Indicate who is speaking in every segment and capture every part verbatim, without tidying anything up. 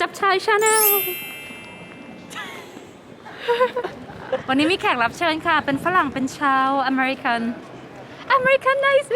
Speaker 1: รับชายชาแนลวันนี้มีแขกรับเชิญค่ะเป็นฝรั่งเป็นชาวอเมริกันอเมริกันไนซ์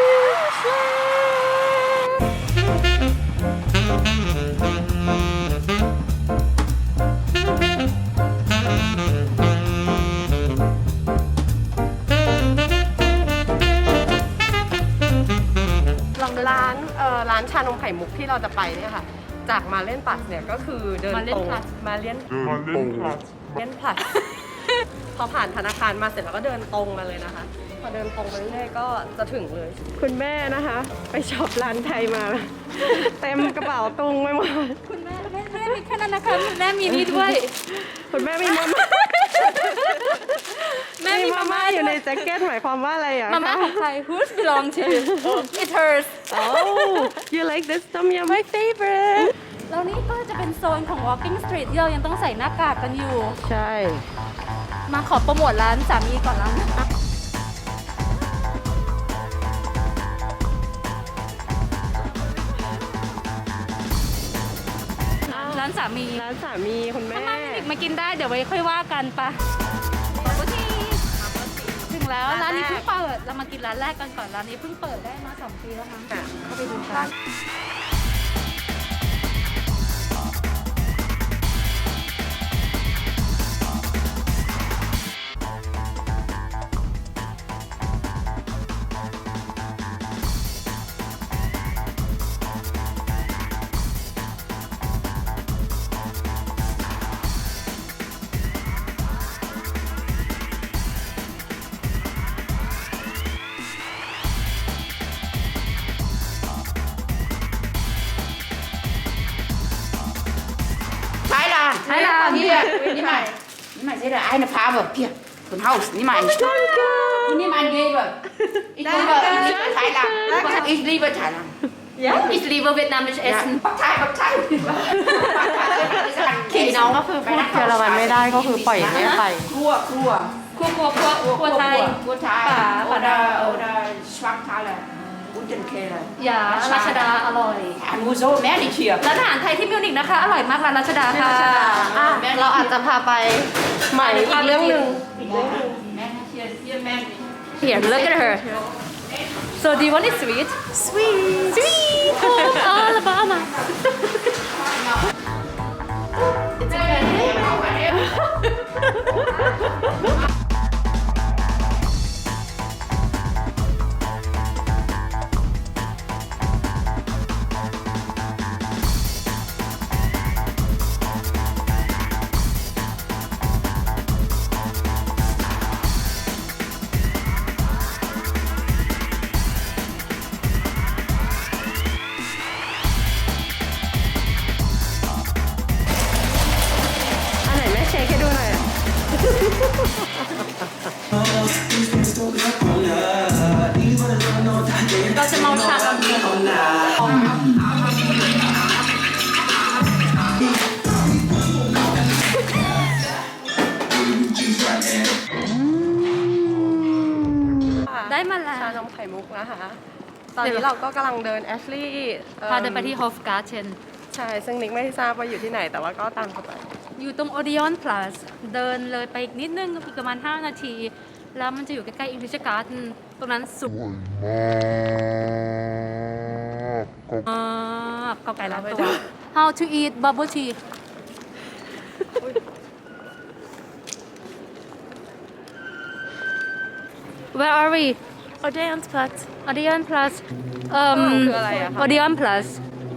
Speaker 2: ร้านเอ่อร้านชานมไข่มุกที่เราจะไปเนี่ยค่ะจากมาเล่นปัสเนี่ยก็คือเดินตรงมาเล่นมาเล่นพลัสเล่นพลัสพอผ่านธนาคารมาเสร็จแล้วก็เดินตรงมาเลยนะคะพอเดินตรงไปเรื่อยๆก็จะถึงเลยคุณแม่นะคะไปช็อปร้านไทยมาเต็มกระเป๋าตุงไปหมด
Speaker 1: คุณแม่แม่แม่มีแค่นั้นนะคะคุณแม่มีนี่ด้วย
Speaker 2: คุณแม่มีมาม่าแม่มีมาม่าอยู่ในแจ็คเก็ตหมายความว่าอะไรอ่ะ
Speaker 1: มาม่าของใคร Who's belong to It's hers
Speaker 2: Oh you like this tom yum
Speaker 1: my favorite แล้วนี่ก็จะเป็นโซนของ walking street ที่เรายังต้องใส่หน้ากากกันอยู่
Speaker 2: ใช่
Speaker 1: มาขอโปรโมทร้านสามีก่อนร้านร้านสามี
Speaker 2: ร้านสามีคุณแม่
Speaker 1: มากินได้เดี๋ยวไว้ค่อยว่ากันปะถึงแล้วร้านนี้เพิ่งเปิดเรามากินร้านแรกกันก่อนร้านนี้เพิ่งเปิดได้มาสองปีแล้วมั้งเข้าไปดูกัน
Speaker 3: Thái Lan. Hier, nimm mal. Nimm mal, seht ihr, eine Farbe. Hier, von Haus. Nimm mal. Und nimm einen Geber. Ich liebe, ich liebe Thailand. Ich liebe Thailand.
Speaker 1: Ja? Ich liebe vietnamesisch Essen.
Speaker 3: Thai, Thai.
Speaker 2: พี่น้องก็คือพูดเยอรมันไม่ได้ก็คือปล่อยไม่ไป
Speaker 3: Cua, cua.
Speaker 1: ครัวครัวครัวครัวไทย
Speaker 3: Cua Thai. Oder, oder Schwarzhalle. Guten Keller.
Speaker 1: อย่าราชดาอร่อย
Speaker 3: Nur so, mehr nicht hier.
Speaker 1: ร้านอาหารไทยที่มิวนิกนะคะอร่อยมากร้านราชดาค่ะ
Speaker 2: เราอาจจะพาไปใหม่อีกเรื่องหนึ่ง
Speaker 3: Hier, hier mehr nicht.
Speaker 1: Here look at her So do you want it sweet Sweet Sweet from Alabamaเราจะมองชาตอนนี้ได้มาแล้ว
Speaker 2: ชานมไข่มุกนะคะตอนนี้เราก็กำลังเดินแอชลี่
Speaker 1: พาเดินไปที่ Hove Garden
Speaker 2: ใช่ซึ่งนิกไม่ทราบว่าอยู่ที่ไหนแต่ว่าก็ตามเข้าไป
Speaker 1: อยู่ตรง Odeon Plus เดินเลยไปอีกนิดนึงอีกประมาณห้านาทีแล้วมันจะอยู่ใกล้ๆ English Garden ตรงนั้นสุดมากก็ไก่ล้านตัว How to eat bubble tea Where are we
Speaker 2: Odeon Plus
Speaker 1: Odeon Plus เอ่อ
Speaker 2: คืออะไรอะคะ
Speaker 1: Odeon Plus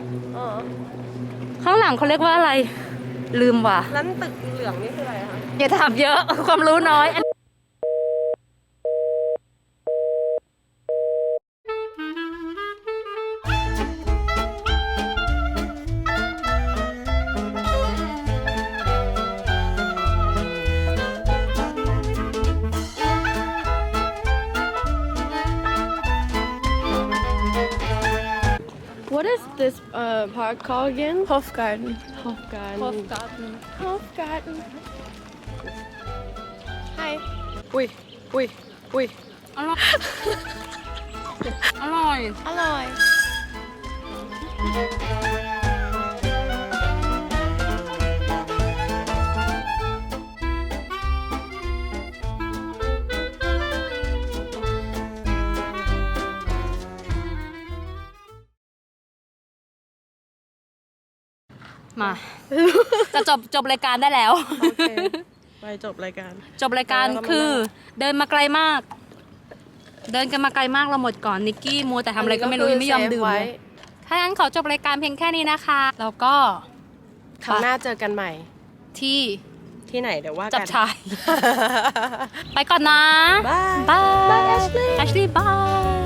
Speaker 1: ข้างหลังเขาเรียกว่าอะไรลืมว่ะ
Speaker 2: ร้านตึกเหลืองนี่คืออะไรคะ
Speaker 1: อย่าถามเยอะความรู้น้อย
Speaker 2: What is this uh, park called again?
Speaker 4: Hofgarten.
Speaker 2: Hofgarten.
Speaker 1: Hofgarten
Speaker 4: Hofgarten. Hi.
Speaker 2: อุ้ยอุ้ยอุ้ย
Speaker 1: อร่อย อร่อย
Speaker 4: Alloy.
Speaker 1: มา จะจบจบรายการได้แล้ว
Speaker 2: โอเคไปจบรายการ
Speaker 1: จบรายการคือเดินมาไกลมาก เดินกันมาไกลมากเราหมดก่อนนิกกี้มัวแต่ทำอะไรก็ไม่รู้ยังไม่ยอมดื่มเลยถ้างั้นขอจบรายการเพียงแค่นี้นะคะแล้วก็
Speaker 2: ครั้งหน้าเจอกันใหม่
Speaker 1: ที่
Speaker 2: ที่ไหนเดี๋ยวว่ากัน
Speaker 1: จับชาย ไปก่อนนะ
Speaker 2: บาย
Speaker 1: บาย
Speaker 2: บาย Ashley
Speaker 1: แอชลีย์บาย